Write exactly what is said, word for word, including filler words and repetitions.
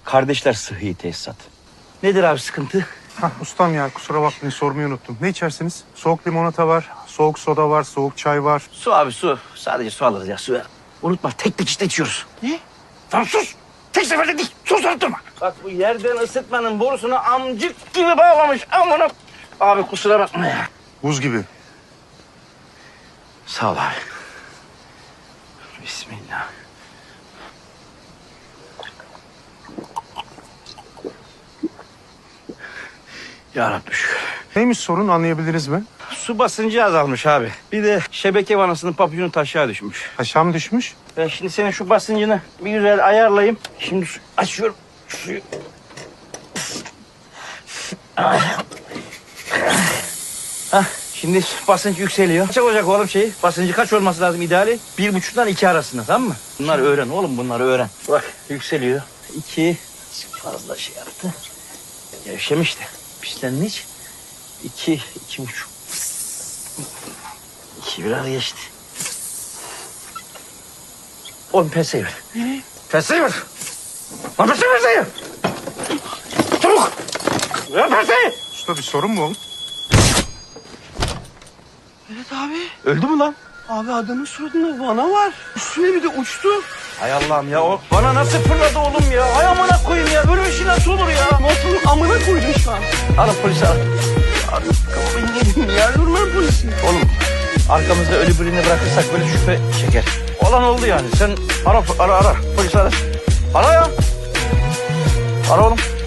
Kardeşler Sıhhi Tesisat. Nedir abi sıkıntı? Hah, ustam ya kusura bakmayın sormayı unuttum. Ne içersiniz? Soğuk limonata var, soğuk soda var, soğuk çay var. Su abi su. Sadece su alırız ya su ver. Unutma tek tek işte içiyoruz. Ne? Tamam sus. Tek seferde değil. Sus durma. Bak bu yerden ısıtmanın borusunu amcık gibi bağlamış. Amına. Abi kusura bakma ya. Buz gibi. Sağ ol abi. Bismillah. Ya Rabbi şükür. Neymiş sorun anlayabiliriz mi? Su basıncı azalmış abi. Bir de şebeke vanasının papyonu taşağı düşmüş. Aşağı mı düşmüş? Ben şimdi senin şu basıncını bir güzel ayarlayayım. Şimdi su açıyorum suyu. Hah, şimdi basınç yükseliyor. Kaç olacak oğlum şeyi? Basıncı kaç olması lazım ideali? Bir buçuktan iki arasında tamam mı? Bunları öğren oğlum bunları öğren. Bak yükseliyor. İki fazla şey yaptı. Gevşemiş de pislenmiş. İki, iki buçuk. İki biraz geçti. Oğlum penseyi ver. Ne? Penseyi ver. Lan penseyi ver. Çabuk. Ver penseyi. Usta bir sorun mu oldu? Evet abi. Öldü mü lan? Abi adamın suratında vana var. Üstüne bir de uçtu. Hay Allah'ım ya o bana nasıl fırladı oğlum ya? Hay amına koyayım ya böyle bir şey nasıl olur ya? Motorun amına koydun şu an. Arın polisi ar. Kafayı yedim ya. Durma polisi. Oğlum arkamızda ölü birini bırakırsak böyle şüphe çeker. Olan oldu yani sen ara ara ara polisi ara. Ara ya. Ara oğlum.